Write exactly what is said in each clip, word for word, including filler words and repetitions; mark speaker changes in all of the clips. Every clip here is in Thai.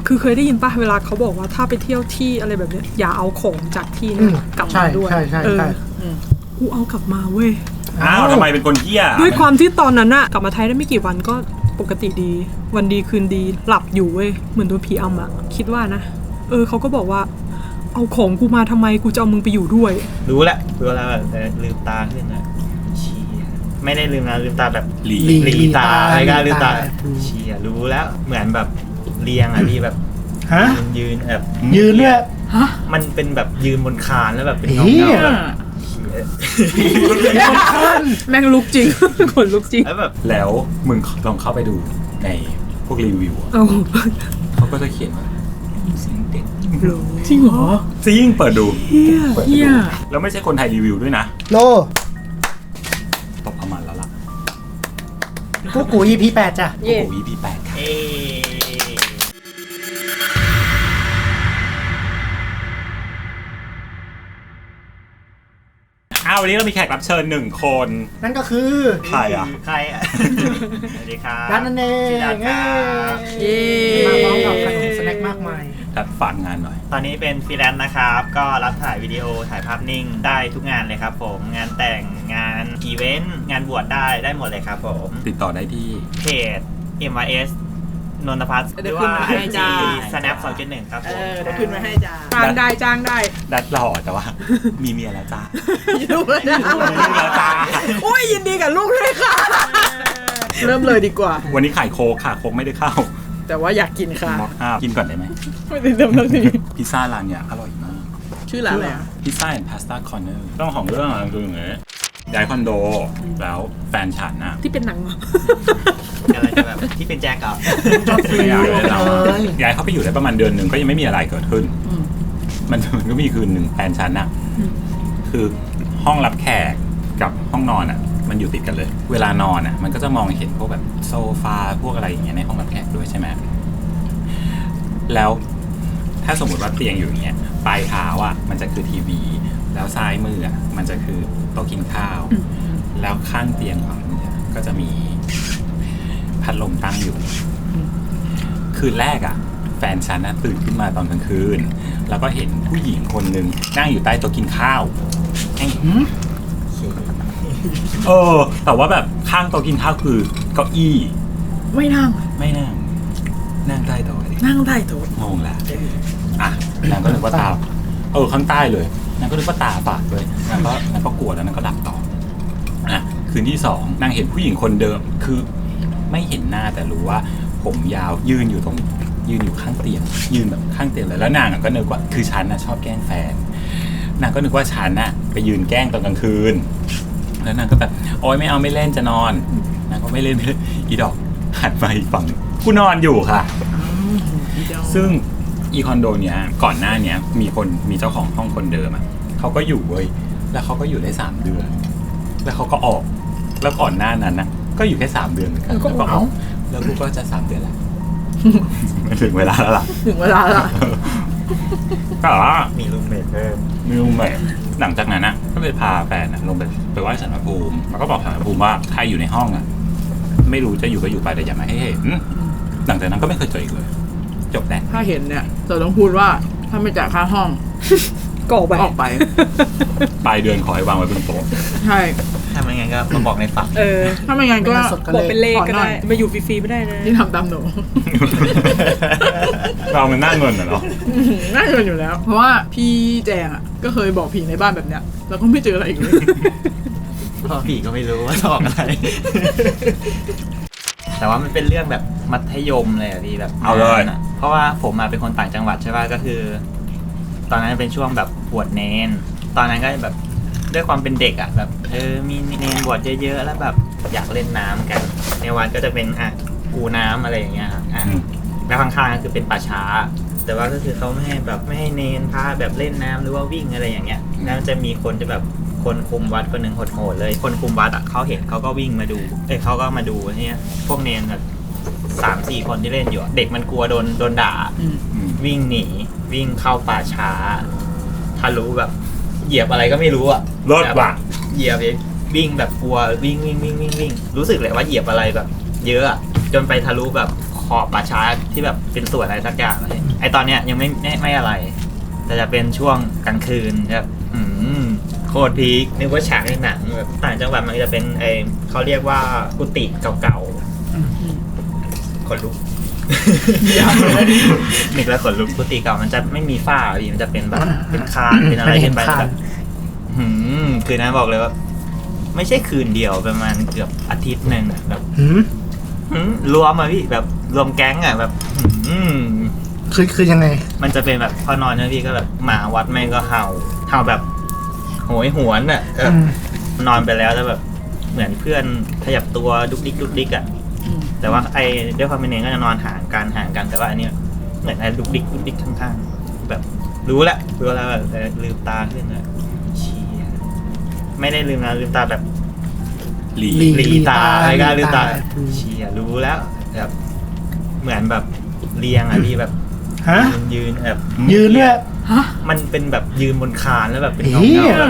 Speaker 1: คือเคยได้ยินป่ะเวลาเขาบอกว่าถ้าไปเที่ยวที่อะไรแบบเนี้ยอย่าเอาของจากที่นั้นกลับมาด้วย
Speaker 2: ใช่ใช่ใช่
Speaker 1: กูเอากลับมาเว้ย
Speaker 3: อ้าวทำไมเป็นคนเหี้ย
Speaker 1: ด้วยความที่ตอนนั้นอะกลับมาไทยได้ไม่กี่วันก็ปกติดีวันดีคืนดีหลับอยู่เว้ยเหมือนโดนผีอำอะคิดว่านะเออเขาก็บอกว่าเอาของกูมาทำไมกูจะเอามึงไปอยู่ด้วย
Speaker 4: รู้แหละรู้แล้วแบบลืมตาขึ้นนะชี้ไม่ได้ลืมนะลืมตาแบบหลีหลีตาอะไรก็ลืมตาชี้รู้แล้วเหมือนแบบเรียงอะที่แบบยืนแบบ
Speaker 2: ยืนเนี่ย
Speaker 4: มันเป็นแบบยืนบนคานแล้วแบบเป็นเงาเงาแบบ
Speaker 1: แม่งลุกจริงคนลุกจริง
Speaker 3: แล้วแบบแล้วมึงลองเข้าไปดูในพวกรีวิวเขาก็จะเขียนว่าเสียงเด็ก
Speaker 1: จริงเหรอ
Speaker 3: จริงเปิดดู
Speaker 1: เฮีย
Speaker 3: แล้วไม่ใช่คนไทยรีวิวด้วยนะ
Speaker 2: โล
Speaker 3: ตบประมาณแล้วล่ะ
Speaker 2: กูกู อี พี แปดจ้ะ
Speaker 3: กูกู อี พี แปดค่ะอ้าววันนี้เรามีแขกรับเชิญหนึ่งคน
Speaker 2: นั่นก็คือ
Speaker 3: ใครอ่ะ
Speaker 4: ใครอ่ะสวัสดีครับ
Speaker 2: ดันนั่นเอง
Speaker 4: ดันครับ
Speaker 2: มาพร้อมกับขนมสแน็คมากมาย
Speaker 3: ดันฝากงานหน่อย
Speaker 4: ตอนนี้เป็นฟรีแลนซ์นะครับก็รับถ่ายวิดีโอถ่ายภาพนิ่งได้ทุกงานเลยครับผมงานแต่งงานอีเวนต์งานบวชได้ได้หมดเลยครับผม
Speaker 3: ติดต่อได้ที่
Speaker 4: เพจ เอ็ม วาย เอส นนทพัฒน์หรือว่า ไอ จี snap สองจุดหนึ่งครับผม
Speaker 1: เดี๋ยวขึ้นมาให้จ้าจ้างได้จ้างได้
Speaker 3: ดัดหล่อแต่ว่ามีเมียแล้วจ้า
Speaker 1: ลูกแล้ว
Speaker 3: จ้า
Speaker 1: โอ้ยยินดีกับลูกเลยค่ะเริ่มเลยดีกว่า
Speaker 3: วันนี้ขายโคกค่ะโคกไม่ได้เข้า
Speaker 1: แต่ว่าอยากกินค่ะ
Speaker 3: กินก่อนได้ไหม
Speaker 1: ไม่ได้เริ่มแล้วสิ
Speaker 3: พิซซ่าร้านเนี้ยอร่อยมาก
Speaker 1: ชื่อร้านอะไรอ่ะ
Speaker 3: พิซซ่าแอนด์พาสต้าคอร์เนอร์ต้องของเรื่องอะไรคืออย่างเงี้ยย้ายคอนโดแล้วแฟนฉันน่ะ
Speaker 1: ที่เป็นหนัง
Speaker 4: อะไรแบบที่เป็นแจ็คอ่ะ
Speaker 3: ไม่อยากเลยเราย้ายเข้าไปอยู่ได้ประมาณเดือนหนึ่งก็ยังไม่มีอะไรเกิดขึ้นมันมันก็มีคืนหนึ่งแฟนฉันน่ะคือห้องรับแขกกับห้องนอนอ่ะมันอยู่ติดกันเลยเวลานอนอ่ะมันก็จะมองเห็นพวกแบบโซฟาพวกอะไรอย่างเงี้ยในห้องรับแขกด้วยใช่ไหมแล้วถ้าสมมติว่าเตียงอยู่อย่างเงี้ยปลายเท้าอ่ะมันจะคือทีวีแล้วซ้ายมืออ่ะมันจะคือโต๊ะกินข้าวแล้วข้างเตียงขวามือก็จะมีพัดลมตั้งอยู่คืนแรกอ่ะแฟนฉันน่ะตื่นขึ้นมาตอนกลางคืนแล้วก็เห็นผู้หญิงคนนึงนั่งอยู่ใต้โต๊ะกินข้าวเออแต่ว่าแบบข้างโต๊ะกินข้าวคือเก้าอี้
Speaker 1: ไม่นั่ง
Speaker 3: ไม่นั่งนั่งใต้โต๊ะ
Speaker 1: นั่งใต้โต๊ะ
Speaker 3: งงแหละอ่ะนางก็นึกว่าตาเออข้างใต้เลยนางก็นึกว่าตาฝาดเลยนางก็นางก็กลัวแล้วนางก็หลับต่ออ่ะคืนที่สองนางเห็นผู้หญิงคนเดิมคือไม่เห็นหน้าแต่รู้ว่าผมยาวยืนอยู่ตรงยืนอยู่ข้างเตียงยืนแบบข้างเตียงเลยแล้วนางก็นึกว่าคือฉันน่ะชอบแกล้งแฟนนางก็นึกว่าฉันน่ะไปยืนแกล้งตอนกลางคืนแล้วนางก็แบบโอ๊ยไม่เอาไม่เล่นจะนอนนางก็ไม่เล่นไม่เล่นอีดอกหันมาอีกฝั่งกูนอนอยู่ค่ะซึ่งอีคอนโดเนี้ยก่อนหน้าเนี้ยมีคนมีเจ้าของห้องคนเดิมอ่ะเขาก็อยู่เว้ยแล้วเขาก็อยู่ได้สามเดือนแล้วเขาก็ออกแล้วก่อนหน้านั้นนะก็อยู่แค่สามเดือนเหมือนกันแล้วก็ออกแล้วกูก็จะสามเดือนแล้วถึงเวลาแล้วล่ะ
Speaker 1: ถึงเวลาแล้ว
Speaker 3: ก็
Speaker 4: มีรูมเมทเพิ่ม
Speaker 3: มีรูมเมทหลังจากนั้นนะก็เลยพาแฟนลงไปไปไหว้ศาลพระภูมิแล้วก็บอกศาลพระภูมิว่าใครอยู่ในห้องอ่ะไม่รู้จะอยู่ก็อยู่ไปแต่อย่ามาให้เห็นหลังจากนั้นก็ไม่เคยเจออีกเลยจบแล้ว
Speaker 1: ถ้าเห็นเนี่ยเราต้องพูดว่าถ้าไม่จ่ายค่าห้องก็ออกไปออกไป
Speaker 3: ปลายเดือนขอให้วางไว้บนโต๊ะ
Speaker 1: ใช่
Speaker 4: ถ้าไม่งั้นก็มาบอกในฝัน
Speaker 1: เออถ้าไม่งั้นก็บอกเป็นเลขก็ได้มาอยู่ฟรีๆไม่ได้นะที่ทำตามหนู
Speaker 3: เรามันน่าเงินเหรอ
Speaker 1: น่าเงินอยู่แล้วเพราะว่าพี่แจงอ่ะก็เคยบอกผีในบ้านแบบเนี้ยแล้วก็ไม่เจออะไรอีกเลย
Speaker 4: เพราะผีก็ไม่รู้ว่าจะบอกอะไรแต่ว่ามันเป็นเรื่องแบบมัธยมเลยอะพี่แบบ
Speaker 3: เอาเลย
Speaker 4: เพราะว่าผมมาเป็นคนต่างจังหวัดใช่ป่ะก็คือตอนนั้นเป็นช่วงแบบบวชเนนตอนนั้นก็แบบด้วยความเป็นเด็กอ่ะแบบเออมีเนนบวชเยอะๆแล้วแบบอยากเล่นน้ำกันในวัดก็จะเป็นอ่ะกูน้ำอะไรอย่างเงี้ยครับอ่ะแล้วข้างๆก็คือเป็นป่าช้าแต่ว่าก็คือเขาไม่ให้แบบไม่ให้เนนพาแบบเล่นน้ำหรือว่าวิ่งอะไรอย่างเงี้ยแล้วจะมีคนจะแบบคนคุมวัดคนหนึ่งโหดๆเลยคนคุมวัดอ่ะเขาเห็นเขาก็วิ่งมาดูเอ้ยเขาก็มาดูเนี่ยพวกเนนแบบสามสี่คนที่เล่นอยู่เด็กมันกลัวโดนโดนด่าวิ่งหนีวิ่งเข้าป่าช้าทะลุแบบเหยียบอะไรก็ไม่รู้อ่ะ
Speaker 3: รถว่ะ
Speaker 4: เหยียบวิ่งแบบกลัววิ่งวิ่งวิ่งวิ่งวิ่งรู้สึกเลยว่าเหยียบอะไรแบบเยอะจนไปทะลุแบบขอบป่าช้าที่แบบเป็นสวนอะไรสักอย่างเลยไอตอนเนี้ยยังไม่ไม่ไม่อะไร แต่จะเป็นช่วงกลางคืนแบบอืมโคตรพีคนึกว่าฉากในหนังแบบต่างจังหวัดมันจะเป็นไอเขาเรียกว่ากุฏิเก่าๆขนลุกนึกแล้วขนลุกกุฏิเก่ามันจะไม่มีฝ้าพี่มันจะเป็นแบบเป็นคานเป็นอะไรขึ้นไปแบบหืมคืนนั้นบอกเลยว่า ไม่ใช่คืนเดียวประมาณเกือบอาทิตย์หนึ่งอะแบบ
Speaker 2: หืม
Speaker 4: หืมรวมอะพี่แบบรวมแก๊งอะแบบหืม
Speaker 2: คือคือยังไง
Speaker 4: มันจะเป็นแบบพอนอนนะพี่ก็แบบหมาวัดแม่งก็เห่าเห่าแบบโหยหวนอะแบบ
Speaker 2: อืม
Speaker 4: นอนไปแล้วแล้วแบบเหมือนเพื่อนขยับตัวดุกดิกดุกดิกอะแต่ว่าไอ้ด้วยความเป็นเองก็จะนอนห่างกันห่างกันแต่ว่าอันนี้เหมือนไอ้ดุกดิกดุกดิกข้างๆแบบรู้ละรู้แล้วแบบลืมตาขึ้นอะเชี่ยไม่ได้ลืมนะลืมตาแบบ
Speaker 3: หลี
Speaker 2: หลี
Speaker 4: หลีตาอะไรก็ลืมตา
Speaker 2: อืม
Speaker 4: เชียรู้แล้วแบบเหมือนแบบเรียงอ่ะพี่แบบ
Speaker 2: ฮะ
Speaker 4: ยืนยืนแบบ
Speaker 2: ยืนด้วย
Speaker 4: มันเป็นแบบยืนบนคานแล้วแบบเป็นเงา
Speaker 2: เหี้
Speaker 4: เงาย แบบ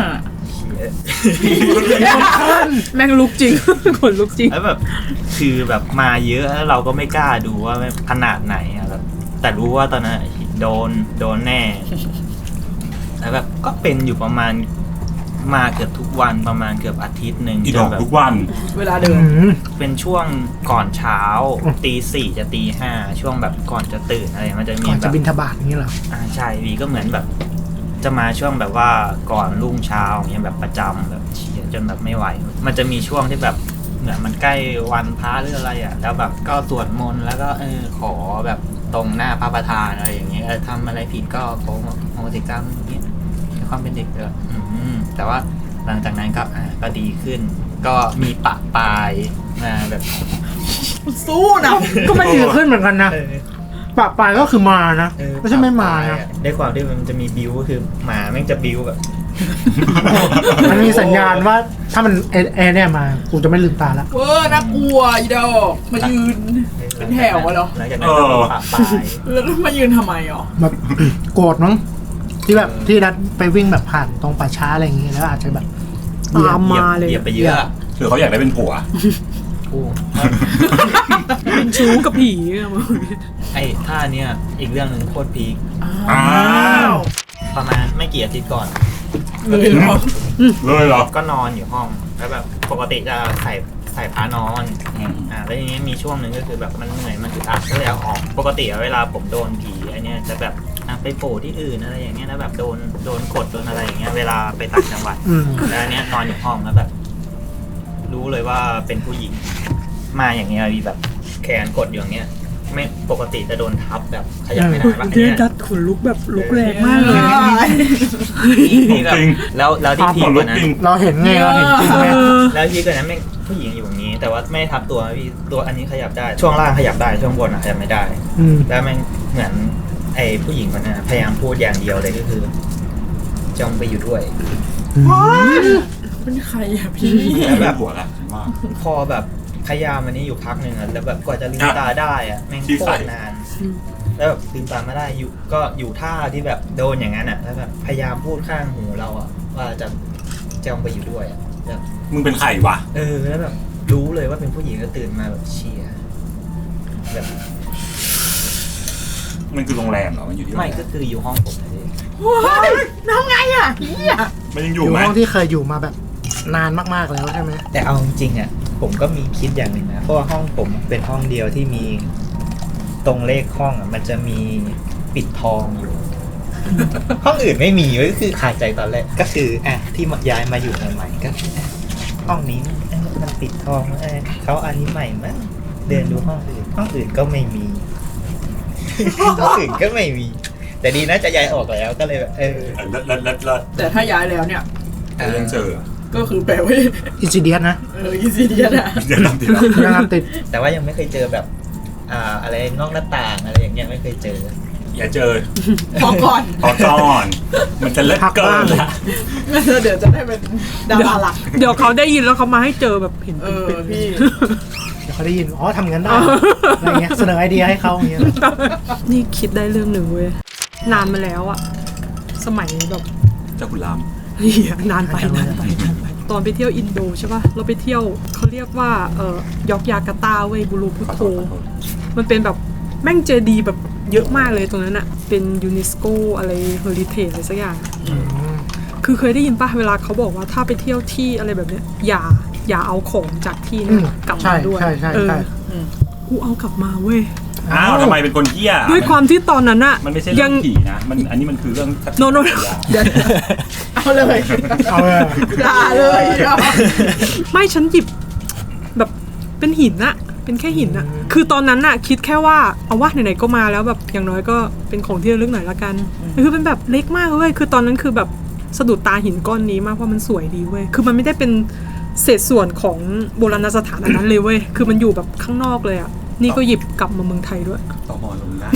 Speaker 4: เชี่ย
Speaker 1: แม่งลุกจริง ขนลุกจริง
Speaker 4: แล้วแบบคือแบบมาเยอะแล้วเราก็ไม่กล้าดูว่าขนาดไหนอ่ะแบบแต่รู้ว่าตอนนั้นโดนโดนแน่แล้วแบบก็เป็นอยู่ประมาณมาเกือบทุกวันประมาณเกือบอาทิตย์หนึ่ง
Speaker 3: อีด
Speaker 4: จ
Speaker 3: อน ก
Speaker 4: แบบ
Speaker 3: ทุกวัน
Speaker 1: เวลาเดิน
Speaker 2: อืม
Speaker 4: เป็นช่วงก่อนเช้าตีสี่จะตีห้าช่วงแบบก่อนจะตื่นอะไรมันจะมี
Speaker 2: ก่อน
Speaker 4: แบ
Speaker 2: จะ
Speaker 4: บ
Speaker 2: บินทบาทอย่างนี้เหรอ
Speaker 4: อ่าใช่วีก็เหมือนแบบ จะมาช่วงแบบว่าก่อนรุ่งเช้าอย่างเงี้ยแบบประจำแบบเชียร์จนแบบไม่ไหว มันจะมีช่วงที่แบบเหมือนมันใกล้วันพระหรืออะไรอ่ะแล้วแบบก็สวดมนต์แล้วก็เออขอแบบตรงหน้าพระประธานอะไรอย่างเงี้ยเออทำอะไรผิดก็ขอโหสิกรรมอย่างเงี้ยในความเป็นเด็กเลยอืมแต่ว่าหลังจากนั้นก็อ่าก็ดีขึ้น ก็มีปะปลายมาแบบ
Speaker 1: สู้นะ
Speaker 2: ก็ไม่ดีขึ้นเหมือนกันนะ
Speaker 4: เออ
Speaker 2: ปะปลายก็คือมานะ
Speaker 4: เออ
Speaker 2: ไม่ใช่ไม่มานะ
Speaker 4: ด้วยความที่มันจะมีบิวก็คือหมาแม่งจะบิวแบบ
Speaker 2: มันมีสัญญาณว่าถ้ามันเอเอเนี่ยมากูจะไม่ลืมตาละ
Speaker 5: เวอร์น่ากลัวอีดอกมายืน เป็นแถวอะเหรอ
Speaker 4: หลังจากนั้นก็มีปะปลาย
Speaker 5: แล้วมายืนทำไมอ๋อ
Speaker 2: แบบ โกรธมั้งที่แบบที่นัดไปวิ่งแบบผ่านตรงป่าช้าอะไรอย่างเงี้ยแล้วอาจจะแบบ
Speaker 1: ตามมาเลย
Speaker 4: เหยียบไปเยอะ
Speaker 3: หรือเขาอยากได้เป็นผัว
Speaker 4: โอ้
Speaker 1: เป็นชู้กับผีอะมึง
Speaker 4: ไอ้ท่าเนี้ยอีกเรื่องหนึ่งโคตรพีค
Speaker 3: อ้าว
Speaker 4: ประมาณไม่กี่อาทิตย์ก่อน
Speaker 5: เลยเหรอ
Speaker 3: เลยเหรอ
Speaker 4: ก็นอนอยู่ห้องแล้วแบบปกติจะใส่ใส่ผ้านอน
Speaker 3: อืม
Speaker 4: อ่าแล้วทีนี้มีช่วงหนึ่งก็คือแบบมันเหนื่อยมันอึดอัดก็เลยเอาออกปกติอะเวลาผมโดนผีอันเนี้ยจะแบบอ่ะไปโผล่ที่อื่นอะไรอย่างเงี้ยแล้วแบบโดนโดนกดโดนอะไรอย่างเงี้ยเวลาไปต่างจังหวัด
Speaker 2: อืม
Speaker 4: แล้วอันเนี้ยนอนอยู่ห้องแล้วแบบ รู้เลยว่าเป็นผู้หญิง มาอย่างเงี้ยมีแบบแขนกดอยู่อย่างเงี้ย ไม่ปกติจะโดนทับแบบขยับไม่ได้ปะอัน
Speaker 1: เดือ
Speaker 4: เนี้
Speaker 1: น
Speaker 4: ย
Speaker 1: ดัดขนลุกแบบลุกแรงมากเลย
Speaker 4: นี่แบบแล้วแล้วที่พี
Speaker 3: ข
Speaker 4: ก
Speaker 3: น
Speaker 4: ก
Speaker 3: ลุก
Speaker 4: ว่านั้น
Speaker 3: จริง
Speaker 2: เราเห็นไงเราเห็นจริงไหม
Speaker 4: แล้วพีกกว่านั้นแม่งผู้หญิงอยู่อย่างนี้ แต่ว่าไม่ทับตัวพี่ตัวอันนี้ขยับได้ ช่วงล่างขยับได้ช่วงบนอะขยับไม่ได้
Speaker 2: อืม
Speaker 4: แล้วแม่งเหมือนไอ้ผู้หญิงคนนั้นอะพยายามพูดอย่างเดียวเลยก็คือจงไปอยู่ด้วย
Speaker 5: เป็นใครอะพี่
Speaker 4: แล้วแบบ
Speaker 3: ผัวละฉันว่า
Speaker 4: พอแบบพยายามอันนี้อยู่พักหนึ่งอะแล้วแบบกว่าจะลืมตาได้อะแม่ง
Speaker 3: ที่
Speaker 4: โค
Speaker 3: ใส่
Speaker 4: ตรนาน แล้วแบบลืมตาไม่ได้อยู่ก็อยู่ท่าที่แบบโดนอย่างนั้นอะแล้วแบบพยายามพูดข้างหูเราอะว่าจะจงไปอยู่ด้วยอะแบบ
Speaker 3: มึงเป็นใครวะ
Speaker 4: เออแล้วแบบรู้เลยว่าเป็นผู้หญิงก็ตื่นมาแบบเชียร์แบบ
Speaker 3: มันคือโรงแรมเหรอ มันอยู่ที่โรง
Speaker 4: ไม่
Speaker 3: แร
Speaker 4: ก็คืออยู่ห้องผมเลย
Speaker 5: ว้ายน้องไงอะเฮีย
Speaker 3: มันยังอ
Speaker 2: อยู่ ยู่
Speaker 3: ไหม
Speaker 2: ห้องที่เคยอยู่มาแบบนานมากๆแล้วใช่ไหม
Speaker 4: แต่เอาจริงๆอะผมก็มีคิดอย่างหนึ่งนะเพราะว่าห้องผมเป็นห้องเดียวที่มีตรงเลขห้องอะมันจะมีปิดทองอยู่ ห้องอื่นไม่มีก็คือขาดใจตอนแรกก็คืออ่ะที่ย้ายมาอยู่ใหม่ๆก็คืออ่ะห้องนี้เอ้ยมันปิดทองเอ้ยเขาอันนี้ใหม่มั้งเดินดูห้องอื่นห้องอื่นก็ไม่มี ห้องอื่นก็ไม่มี แต่ดีนะจะย้ายออกแล้วก็เลยแบบเออ
Speaker 3: เออเลิศเลิศเลิศเลิศ
Speaker 5: แต่ถ้าย้ายแล้วเนี่ย
Speaker 3: แต่ยังเจอ
Speaker 5: ก็คือแปลว่า
Speaker 2: อินซิเดียสนะ
Speaker 5: เอออีซีเดียนะ
Speaker 3: เดี๋ยวทำทีละ
Speaker 2: ยังตามติด
Speaker 4: แต่ว่ายังไม่เคยเจอแบบ อ่าอะไรนอกหน้าต่างอะไรอย่างเงี้ยไม่เคยเจอ
Speaker 3: อย่าเจอ
Speaker 5: พอก่อน
Speaker 3: พอก่อน มันจะเลิศเกินละ
Speaker 5: เดี๋ยวจะได้เป็นดาราหลัก
Speaker 1: เดี๋ยวเขาได้ยินแล้วเขามาให้เจอแบบเห็น
Speaker 5: เออ
Speaker 1: เป็นๆ
Speaker 5: พี่
Speaker 2: เดี๋ยวเขาได้ยิน อ๋อทำงั้นได้ อะไรเงี้ย เสนอไอเดียให้เขาอย่างเงี้ย
Speaker 1: นี่คิดได้เรื่องหนึ่งเว้ย นานมาแล้วอะสมัยแบบ
Speaker 3: เจ้าคุณราม
Speaker 1: เฮียนานไปนานไปนานไป ตอนไปเที่ยวอินโดใช่ป่ะ เราไปเที่ยวเขาเรียกว่าเอ่อยอกยาการ์ตาเว้ยบูรูพุโต มันเป็นแบบแม่งเจดีย์แบบเยอะมากเลยตรงนั้นอะเป็นยูเนสโกอะไรเฮอริเทจอะไรสักอย่าง
Speaker 2: อืม
Speaker 1: คือเคยได้ยินป่ะเวลาเขาบอกว่าถ้าไปเที่ยวที่อะไรแบบเนี้ยอย่าอย่าเอาของจากที่
Speaker 2: อื
Speaker 1: นั้น
Speaker 2: ม
Speaker 1: กลับ
Speaker 2: ใช่
Speaker 1: มาด้วย
Speaker 2: ใช่ใช่
Speaker 1: เออ
Speaker 2: ใช่
Speaker 1: กูเอากลับมาเว้ย
Speaker 3: อ้าวทำไมเป็นคนเหี้ย
Speaker 1: ด้วยความที่ตอนนั้นอะ
Speaker 3: มันไม่ใช่เรื่
Speaker 1: ยั
Speaker 3: องผีนะมันอันนี้มันคือเรื่อง
Speaker 1: โนโนเดี๋ยว
Speaker 5: เอาเลย
Speaker 2: เอาเลย
Speaker 5: ด่าเลยอีดอก
Speaker 1: ไม่ฉันหยิบแบบเป็นหินอะเป็นแค่หินอะคือตอนนั้นอะคิดแค่ว่าเอาว่าไหนๆก็มาแล้วแบบอย่างน้อยก็เป็นของที่ระลึกหน่อยละกันคือเป็นแบบเล็กมากเว้ยคือตอนนั้นคือแบบสะดุดตาหินก้อนนี้มากเพราะมันสวยดีเว้ยคือมันไม่ได้เป็นเศษส่วนของโบราณสถานอันนั้นเลยเว้ยคือมันอยู่แบบข้างนอกเลยอะนี่ก็หยิบกลับมาเมืองไทยด้วย
Speaker 3: ต่อมอลงได้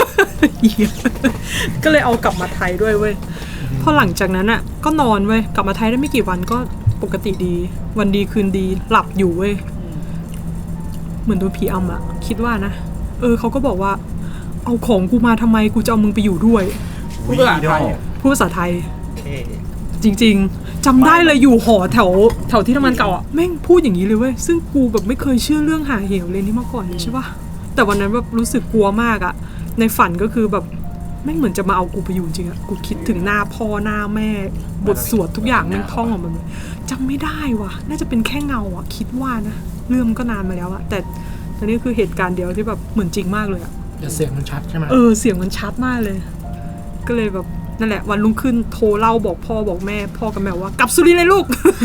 Speaker 1: ก็เลยเอากลับมาไทยด้วยเว้ยพอหลังจากนั้นอ่ะก็นอนเว้ยกลับมาไทยได้ไม่กี่วันก็ปกติดี วันดีคืนดีหลับอยู่เว้ยเหมือนโดนผีอำอ่ะคิดว่านะเออเขาก็บอกว่าเอาของกูมาทำไมกูจะเอามึงไปอยู่ด้วย
Speaker 5: พูดภาษาไทย
Speaker 1: พูดภาษาไทย
Speaker 4: เท่
Speaker 1: จริงๆจำได้เลยอยู่หอแถวแถวที่ทำงานเก่าอ่ะแม่งพูดอย่างนี้เลยเว้ยซึ่งกูแบบไม่เคยเชื่อเรื่องหาเหวเลยนี่มาก่อนเลยใช่ปะแต่วันนั้นแบบรู้สึกกลัวมากอ่ะในฝันก็คือแบบแม่งเหมือนจะมาเอากูไปอยู่จริงอ่ะกูคิดถึงหน้าพ่อหน้าแม่บทสวดทุกอย่างแม่งท่องออกมาเลยจำไม่ได้ว่ะน่าจะเป็นแค่เงาอ่ะคิดว่านะเรื่องมันก็นานมาแล้วอ่ะแต่ตอนนี้คือเหตุการณ์เดียวที่แบบเหมือนจริงมากเลยอ่ะ
Speaker 2: แต่เสียงมันชัดใช่ไหม
Speaker 1: เออเสียงมันชัดมากเลย ก็เลยแบบนั่นแหละวันรุ่งขึ้นโทรเล่าบอกพ่อบอกแม่ พ่อกับแม่ว่ากลับสุรินทร์เลยลูก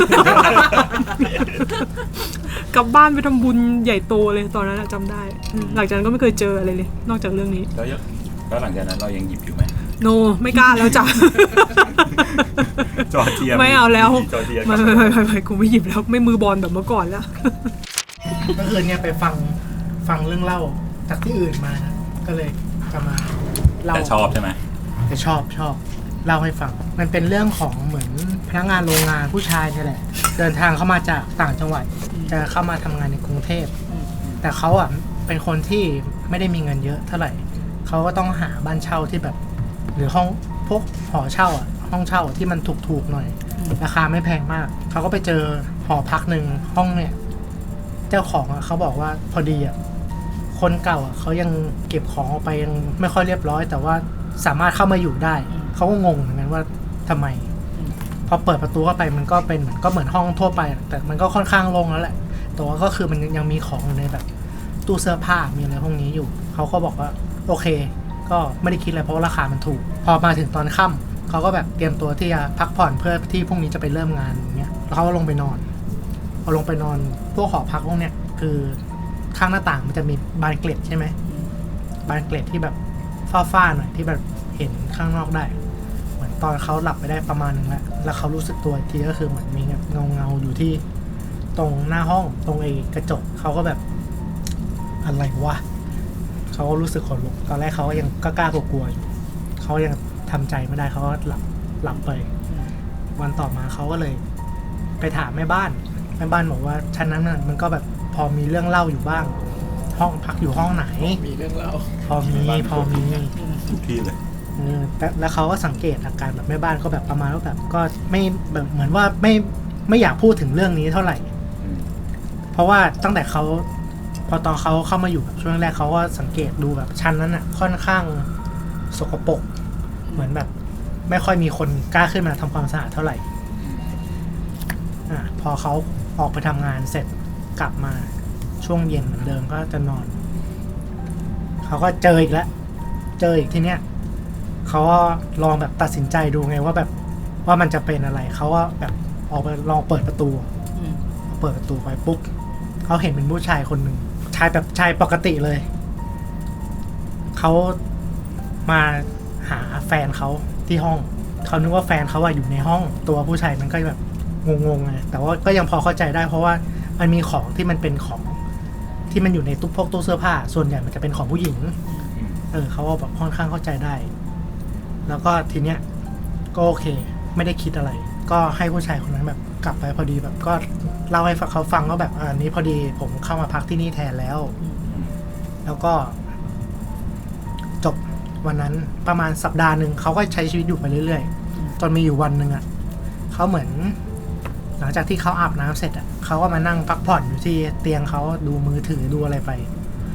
Speaker 1: กลับบ้านไปทำบุญใหญ่โตเลยตอนนั้นอะจำได้อืมหลังจากนั้นก็ไม่เคยเจออะไรเลย นอกจากเรื่องนี้
Speaker 3: แล้วยังแล้วหลังจากนั้นเรายังหยิบอยู่ไหม
Speaker 1: โน ไม่กล้าแล้วจ้ะ
Speaker 3: จอร์เจีย
Speaker 1: ไม่เอาแล้ว
Speaker 3: จอร์เจีย
Speaker 1: ไม่ไม่ไม่ไม่ไม่กูไม่หยิบแล้วไม่มือบอลแบบเมื่อก่อนแล้ว
Speaker 2: ก็คือเนี่ยไปฟังฟังเรื่องเล่าจากที่อื่นมานะก็เลยจะมาเล่า
Speaker 3: แต่ชอบใช่ไหม
Speaker 2: แต่ชอบชอบเล่าให้ฟัง มันเป็นเรื่องของเหมือนพนักงานโรงงานผู้ชายนี่แหละ เดินทางเข้ามาจากต่างจังหวัดจะเข้ามาทำงานในกรุงเทพแต่เขาอ่ะเป็นคนที่ไม่ได้มีเงินเยอะเท่าไหร่เขาก็ต้องหาบ้านเช่าที่แบบ หรือห้องพวกหอเช่าอ่ะห้องเช่าที่มันถูกๆหน่อย ราคาไม่แพงมากเขาก็ไปเจอหอพักหนึ่งห้องเนี่ยเจ้าของอ่ะเขาบอกว่าพอดีอ่ะคนเก่าอ่ะเขายังเก็บของออกไปยังไม่ค่อยเรียบร้อย แต่ว่าสามารถเข้ามาอยู่ได้เขาก็งงเหมือนกันว่าทำไมพอเปิดประตูเข้าไปมันก็เป็นเหมือนก็เหมือนห้องทั่วไป แต่มันก็ค่อนข้างโล่งแล้วแหละแต่ว่าก็คือมันยังมีของอยู่ในแบบตู้เสื้อผ้ามีอะไรพวกนี้อยู่เขาก็บอกว่าโอเคก็ไม่ได้คิดอะไรเพราะราคามันถูกพอมาถึงตอนค่ำเขาก็แบบเตรียมตัวที่จะพักผ่อนเพื่อที่พรุ่งนี้จะไปเริ่มงานอย่างเงี้ยแล้วเขาก็ลงไปนอนพอลงไปนอนพวกหอพักพวกเนี้ยคือข้างหน้าต่างมันจะมีบานเกล็ดใช่ไหมบานเกล็ดที่แบบฝ้าๆหน่อยที่แบบเห็นข้างนอกได้เหมือนตอนเขาหลับไปได้ประมาณนึงแล้วแล้วเขารู้สึกตัวอีกทีก็คือเหมือนมีเงาเงาๆอยู่ที่ตรงหน้าห้องตรงไอ้กระจกเขาก็แบบอะไรวะเขาก็รู้สึกขนลุกตอนแรกเขาก็ยังกล้าๆกลัวๆอยู่เขายังทำใจไม่ได้เขาก็หลับหลับไป วันต่อมาเขาก็เลยไปถามแม่บ้านแม่บ้านบอกว่าชั้นนั้นน่ะมันก็แบบพอมีเรื่องเล่าอยู่บ้าง ห้องพักอยู่ห้องไหน
Speaker 5: มีเรื่องเล่า
Speaker 2: พอมีพอมี
Speaker 3: ทุกที่เลย
Speaker 2: เออแต่แล้วเขาก็สังเกตอาการแบบแม่บ้านก็แบบประมาณว่าแบบก็ไม่แบบเหมือนว่าไม่ไม่อยากพูดถึงเรื่องนี้เท่าไหร่
Speaker 3: อืม
Speaker 2: เพราะว่าตั้งแต่เขาพอตอนเขาเข้ามาอยู่แบบช่วงแรกเขาก็สังเกตดูแบบชั้นนั้นอ่ะค่อนข้างสกปรกเหมือนแบบไม่ค่อยมีคนกล้าขึ้นมาทำความสะอาดเท่าไหร่อ่ะพอเขาออกไปทำงานเสร็จกลับมาช่วงเย็นเหมือนเดิมก็จะนอนเขาก็เจออีกแล้วเจออีกทีเนี้ยเขาก็ลองแบบตัดสินใจดูไงว่าแบบว่ามันจะเป็นอะไรเขาก็แบบออกไปลองเปิดประตู เปิดประตูไปปุ๊บเขาเห็นเป็นผู้ชายคนหนึ่งชายแบบชายปกติเลยเขามาหาแฟนเขาที่ห้องเขานึกว่าแฟนเขาอะอยู่ในห้องตัวผู้ชายมันก็แบบงงๆไงแต่ว่าก็ยังพอเข้าใจได้เพราะว่ามันมีของที่มันเป็นของที่มันอยู่ในตู้พกตู้เสื้อผ้าส่วนใหญ่มันจะเป็นของผู้หญิงเออเขาก็แบบค่อนข้างเข้าใจได้แล้วก็ทีเนี้ยก็โอเคไม่ได้คิดอะไร ก็ให้ผู้ชายคนนั้นแบบกลับไปพอดีแบบก็เล่าให้เขาฟังว่าแบบอันนี้พอดีผมเข้ามาพักที่นี่แทนแล้ว แล้วก็จบวันนั้นประมาณสัปดาห์หนึ่งเขาก็ใช้ชีวิตอยู่ไปเรื่อยๆจนมีอยู่วันหนึ่งอ่ะเขาเหมือนหลังจากที่เขาอาบน้ำเสร็จอ่ะเขาก็มานั่งพักผ่อนอยู่ที่เตียงเขาดูมือถือดูอะไรไป ส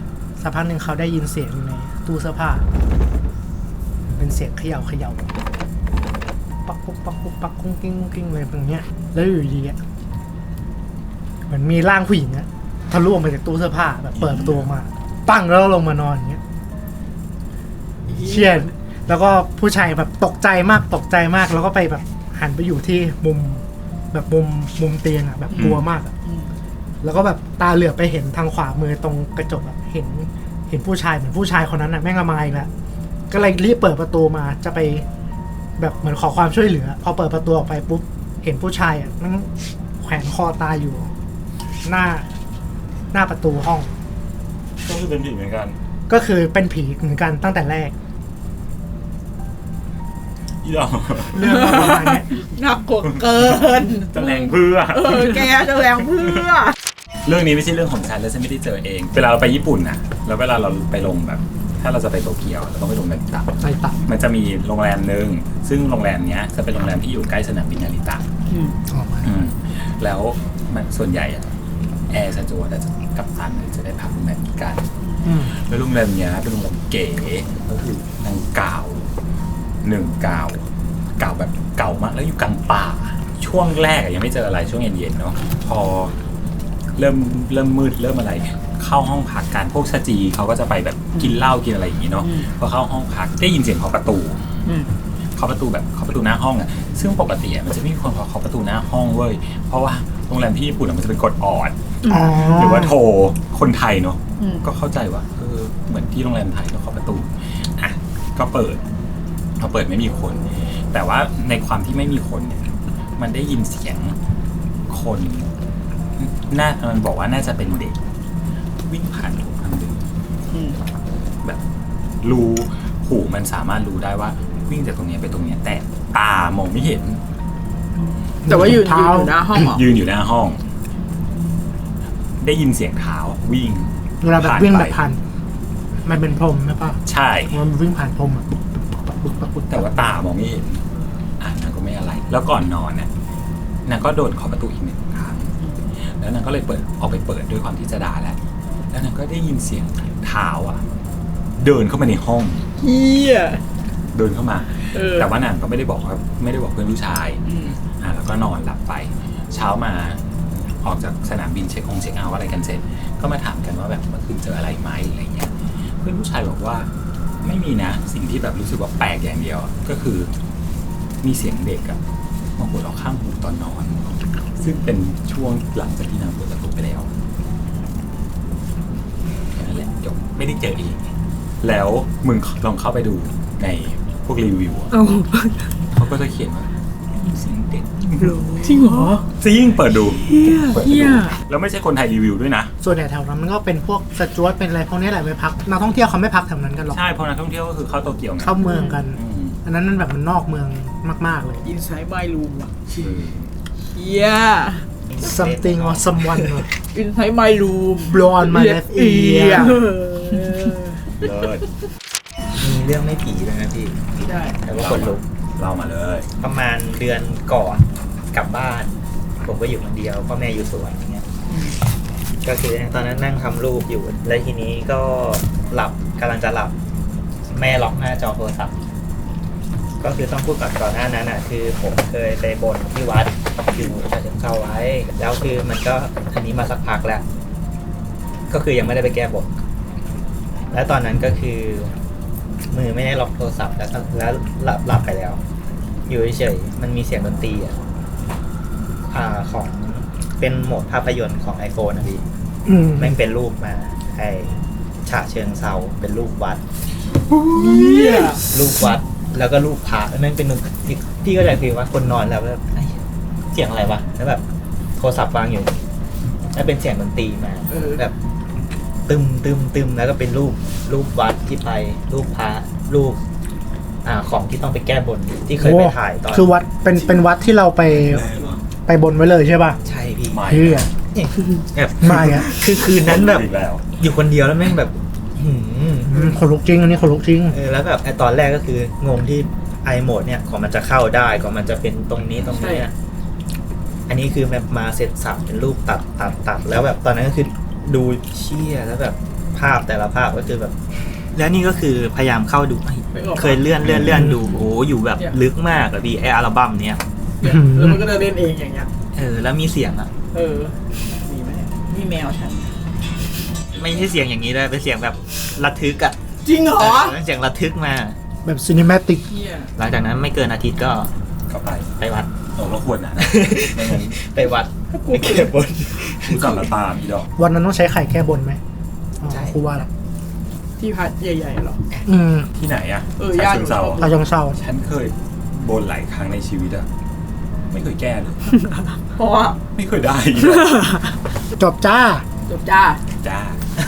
Speaker 2: สักพักหนึ่งเขาได้ยินเสียงอยู่ในตู้เสื้อผ้าเป็นเสียงเขย่าเขย่าปักปุ๊กปักปุ๊กปักกุ้งกิ้งกุ้งกิ้งอะไรแบบเนี้ยแล้วอยู่ดีอะเหมือนมีร่างผู้หญิงอะทะลุออกมาจากตู้เสื้อผ้าแบบเปิดประตูออกมาปั้งแล้วลงมานอนอย่างเงี้ยเชี่ยแล้วก็ผู้ชายแบบตกใจมากตกใจมากแล้วก็ไปแบบหันไปอยู่ที่มุมแบบมุมมุมเตียงอะแบบกลัวมากอะแล้วก็แบบตาเหลือบไปเห็นทางขวามือตรงกระจกอะเห็นเห็นผู้ชายเหมือนผู้ชายคนนั้นอะแม่งมาอีกแล้วก็เลยรีบเปิดประตูมาจะไปแบบเหมือนขอความช่วยเหลือพอเปิดประตูออกไปปุ๊บเห็นผู้ชายอะมันแขวนคอตายอยู่ หน้าหน้าประตูห้อง
Speaker 3: ก็คือเป็นผีเหมือนกัน
Speaker 2: ก็คือเป็นผีเหมือนกันตั้งแต่แรก
Speaker 3: อีดอก
Speaker 2: เรื่องประมาณเนี้ย
Speaker 5: หนักกว่าเกิน
Speaker 3: จะแรงเพื่อ
Speaker 5: เออแกจะแรงเพื่อ
Speaker 3: เรื่องนี้ไม่ใช่เรื่องของฉันและฉันไม่ได้เจอเอง เวลาเราไปญี่ปุ่นน่ะแล้วเวลาเราไปลงแบบ ถ้าเราจะไปโตเกียวเราต้องไปลงแบบต่ำ
Speaker 2: ใส่ตับ
Speaker 3: มันจะมีโรงแรมหนึ่งซึ่งโรงแรมเนี้ยจะเป็นโรงแรมที่อยู่ใกล้สนามบินนาริตะ
Speaker 2: ออกมา
Speaker 3: อืมแล้วมันส่วนใหญ่อะแอร์สจวตจะกับตันจะได้พักโรงแรมนี้กัน
Speaker 2: อืม
Speaker 3: แล้วโรงแรมเนี้ยเป็นโรงแรมเก๋ก็คือนางเก่าหนึ่งเก่าเก่าแบบเก่ามากแล้วอยู่กลางป่า ช่วงแรกอะยังไม่เจออะไรช่วงเย็นๆเนาะพอเริ่มเริ่มมืดเริ่มอะไร เข้าห้องพักกันพวกชาจีเขาก็จะไปแบบกินเหล้ากินอะไรอย่างงี้เนาะพอเข้าห้องพักได้ยินเสียงเคาะประตูเคาะประตูแบบเคาะประตูหน้าห้องอะซึ่งปกติอะมันจะไม่มีคนเคาะประตูหน้าห้องเว้ยเพราะว่าโรงแรมที่ญี่ปุ่นอะมันจะเป็นกฎออด
Speaker 2: อ๋อ
Speaker 3: หรือว่าโทรคนไทยเนาะก็เข้าใจว่าเออเหมือนที่โรงแรมไทยก็เคาะประตูอ่ะก็เปิดพอเปิดไม่มีคน แต่ว่าในความที่ไม่มีคนเนี่ยมันได้ยินเสียงคนน่ามันบอกว่าน่าจะเป็นเด็กวิ่งผ่านถูกทางเดินแบบรู้หูมันสามารถรู้ได้ว่าวิ่งจากตรงนี้ไปตรงนี้แต่ตามองไม่เห็น
Speaker 5: แต่ว่ายืนยืนอยู่หน้าห้องเหรอ
Speaker 3: ยืนอยู่หน้าห้อง ได้ยินเสียงเท้าวิ่ง
Speaker 2: เวลาแบบวิ่งแบบผ่านมันเป็นพรมใช่ปะ
Speaker 3: ใช่
Speaker 2: มันวิ่งผ่านพรมอะปุ๊บปั๊บปุ๊บ
Speaker 3: แต่ว่าตามองไม่เห็นอ่านางก็ไม่อะไร แล้วก่อนนอนเนี่ยนางก็โดนเคาะประตูอีกหนึ่งครั้งแล้วนางก็เลยเปิดออกไปเปิดด้วยความที่จะด่าแหละแล้วนางก็ได้ยินเสียงเท้าอ่ะ เดินเข้ามาในห้อง
Speaker 5: เฮีย
Speaker 3: เดินเข้ามา
Speaker 5: เออ
Speaker 3: แต่ว่านางก็ไม่ได้บอกว่าไม่ได้บอกเพื่อนผู้ชาย
Speaker 5: อืม
Speaker 3: อ่าแล้วก็นอนหลับไป เช้ามาออกจากสนามบินเช็คองเช็คเอาท์อะไรกันเสร็จ ก็มาถามกันว่าแบบเมื่อคืนเจออะไรไหมอะไรเงี้ยเพื่อนผู้ชายบอกว่าไม่มีนะสิ่งที่แบบรู้สึกว่าแปลกอย่างเดียวอะก็คือมีเสียงเด็กอะมาหัวเราะข้างหูตอนนอน ซึ่งเป็นช่วงหลังจากที่นางเปิดประตูไปแล้วแค่นั้นแหละจบไม่ได้เจออีกแล้วมึงลองเข้าไปดูในพวกรีวิวอะ
Speaker 1: เอา
Speaker 3: เขาก็จะเขียนว่ามีเสียงเด็ก
Speaker 1: จริงเหรอ
Speaker 3: จริงเปิดดู
Speaker 1: เฮีย
Speaker 3: เปิด
Speaker 1: เฮี
Speaker 3: ดู
Speaker 1: ย
Speaker 3: แล้วไม่ใช่คนไทยรีวิวด้วยนะ
Speaker 2: ส่วนใหญ่แถวนั้นมันก็เป็นพวกสจวตเป็นอะไรพวกนี้แหละไปพักนักท่องเที่ยวเขาไม่พักแถวนั้นกันหรอก
Speaker 3: ใช่เพราะนักท่องเที่ยวก็คือเข้าโตเกียวไง
Speaker 2: เข้าเมืองกัน
Speaker 3: อืม
Speaker 2: อันนั้นมันแบบมันนอกเมืองมากๆเลย
Speaker 5: อินไซด์ไมลูมว่ะ
Speaker 3: เออ
Speaker 5: เฮีย
Speaker 2: something or someone ว่ะ
Speaker 5: อินไซด์ไมลูม
Speaker 2: blow on my left ear
Speaker 3: เลิศ
Speaker 4: มีเรื่องไม่ผีเลยนะพี่
Speaker 5: ได้
Speaker 4: แต่ว่าคนลุก
Speaker 3: เล่ามาเลย
Speaker 4: ประมาณเดือนก่อนกลับบ้าน ผมก็อยู่คนเดียวพ่อแม่อยู่สวนอย่างเงี้ยก็คือตอนนั้นนั่งทำรูปอยู่ แล้วทีนี้ก็หลับกำลังจะหลับ แม่ล็อกหน้าจอโทรศัพท์ ก็คือต้องพูดก่อนก่อนหน้านั้นอ่ะ คือผมเคยไปบนที่วัดอยู่ฉะเชิงเทราไว้ แล้วคือมันก็อันนี้มาสักพักแล้ว ก็คือยังไม่ได้ไปแก้บนแล้วตอนนั้นก็คือมือไม่ได้ล็อกโทรศัพท์แล้วแล้วหลับหลับไปแล้ว อยู่เฉยๆมันมีเสียงดนตรีอ่ะอ่าของเป็นโหมดภาพยนตร์ของ iPhone นะพี่
Speaker 2: อืม
Speaker 4: แม่งเป็นรูปมาไอ้ฉะเชิงเซาเป็นรูปวัด
Speaker 5: เฮีย
Speaker 4: รูปวัด แล้วก็รูปพระแม่งเป็นพี่ก็ใจคือว่าคนนอนแล้วแบบเอ้ยเสียงอะไรวะแล้วแบบโทรศัพท์วางอยู่แล้วเป็นเสียงดนตรีมาแบบตึมตึมตึมแล้วก็เป็นรูปรูปวัดที่ไปรูปพระรูป อ่าของที่ต้องไปแก้บนที่เคยไปถ่ายตอน
Speaker 2: คือวัดเป็นเป็นวัดที่เราไปไปบนไว้เลยใช่ป่ะ
Speaker 4: ใช่พี่
Speaker 3: ไม่
Speaker 2: เฮีย
Speaker 4: แบบ
Speaker 2: ไม่อะ
Speaker 4: คือคืนนั้นแบบ
Speaker 3: อีกแล้ว
Speaker 4: อยู่คนเดียวแล้วแม่งแบบหืม
Speaker 2: อืมคนลุกจริงอันนี้คนลุกจริง
Speaker 4: เออแล้วแบบไอตอนแรกก็คืองงที่ไอโหมดเนี่ยของมันจะเข้าได้ของมันจะเป็นตรงนี้ตรงนี้อะอันนี้คือแบบมาเสร็จสับเป็นรูปตัดตัดตัดแล้วแบบตอนนั้นก็คือดูเชี่ยแล้วแบบภาพแต่ละภาพก็คือแบบ แล้วนี่ก็คือพยายามเข้าดู
Speaker 5: ไม่ออก
Speaker 4: เคยเลื่อนเลื่อนเลื่อนดูโอ้อยู่แบบลึกมากอะพี่ไออัลบั้มเนี้ย
Speaker 5: เนี่ยแล้วมันก็จะเล่นเองอย่างเงี้ย
Speaker 4: เออแล้วมีเสียงอะ
Speaker 5: เออมีไหมนี่แมวฉัน
Speaker 4: ไม่ใช่เสียงอย่างนี้เลยเป็นเสียงแบบระทึกอะ
Speaker 5: จริงเหรอ
Speaker 4: เออเสียงระทึกมา
Speaker 2: แบบซีนิเมติก
Speaker 5: เฮีย
Speaker 4: หลังจากนั้นไม่เกินอาทิตย์ก็
Speaker 3: เข้าไป
Speaker 4: ไปวัด
Speaker 3: โอ้ก็ควรนะไม่งั้น
Speaker 4: ไปวัดไปเก็บบน
Speaker 3: กูสั่งละตามพี่ดอก
Speaker 2: วันนั้นต้องใช้ไข่แก้บนไหมอ๋อ
Speaker 4: ใช่
Speaker 2: ครูว่าละ
Speaker 5: ที่พัดใหญ่ๆเหรอ
Speaker 2: อืม
Speaker 3: ที่ไหนอะ
Speaker 5: เออ
Speaker 3: ฉะ
Speaker 5: ย่าน
Speaker 3: เชิงเซา
Speaker 2: เราจังเศร้า
Speaker 3: ฉันเคยบนหลายครั้งในชีวิตอะไม่เคยแก้เลย
Speaker 5: เพราะว่า
Speaker 3: ไม่เคยได้
Speaker 2: จบจ้า
Speaker 5: จบจ้า
Speaker 3: จ้า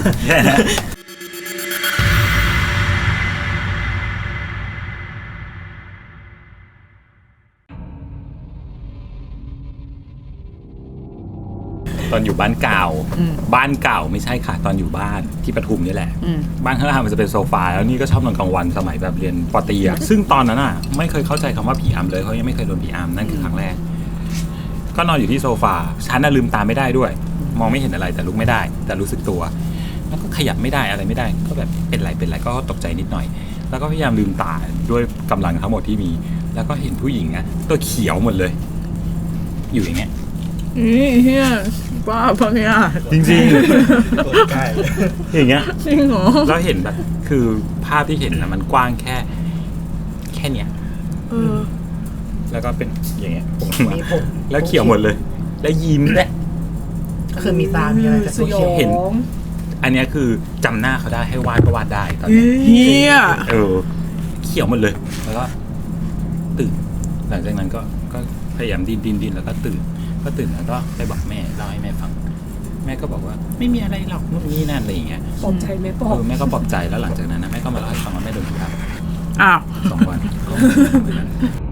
Speaker 3: ตอนอยู่บ้านเก่า
Speaker 5: อืม
Speaker 3: บ้านเก่าไม่ใช่ค่ะ ตอนอยู่บ้านที่ปทุมนี่แหละ
Speaker 5: อืม
Speaker 3: บ้านข้างล่างมันจะเป็นโซฟาแล้วนี่ก็ชอบนอนกลางวันสมัยแบบเรียนปอตรีอะซึ่งตอนนั้นอะไม่เคยเข้าใจคำว่าผีอำเลยเขายังไม่เคยโดนผีอำนั่นคือครั้งแรก ก็นอนอยู่ที่โซฟาฉันน่ะลืมตาไม่ได้ด้วย มองไม่เห็นอะไรแต่ลุกไม่ได้ แต่รู้สึกตัว แล้วก็ขยับไม่ได้อะไรไม่ได้ ก็แบบเป็นไรเป็นไรก็ตกใจนิดหน่อย แล้วก็พยายามลืมตาด้วยกำลังทั้งหมดที่มี แล้วก็เห็นผู้หญิงอะตัวเขียวหมดเลย อยู่อย่างเงี้ย
Speaker 5: นี่เฮียบ้าปะเนี่ย
Speaker 3: จริง
Speaker 4: ใกล้
Speaker 3: ๆอย่างเงี้ย
Speaker 5: จริงเหรอ
Speaker 3: แล้วเห็นแบบคือภาพที่เห็นนะมันกว้างแค่ แค่เนี้ย
Speaker 5: เออ
Speaker 3: แล้วก็เป็นอย่างเงี้ยผมมา
Speaker 2: มีผม
Speaker 3: แล้วเขียวหมดเลย แล้วยิ้มด้วย
Speaker 2: ก็คือมีตา มีอะไรแต่
Speaker 5: ส
Speaker 2: ตัวเขียว
Speaker 5: ยอง
Speaker 3: เห็น อันเนี้ยคือจำหน้าเขาได้ให้วาดก็วาดได้ตอนเนี้ย
Speaker 5: เฮีย
Speaker 3: เออ เขียวหมดเลย แล้วก็ตื่น หลังจากนั้นก็ก็พยายามดิ้นดิ้นดิ้นแล้วก็ตื่น ก็ตื่นแล้วก็ไปบอกแม่เล่าให้แม่ฟัง แม่ก็บอกว่าไม่มีอะไรหรอกนู่นนี่นั่นอะไรอย่างเงี้ย
Speaker 1: ปลอบใจไหมปลอ
Speaker 3: เอบ อแม่ก็ปลอบใจแล้วหลังจากนั้นนะแม่ก็มาเล่าให้ฟังว่าแม่โดนผีอำ
Speaker 5: อ้าว
Speaker 3: สองวันก็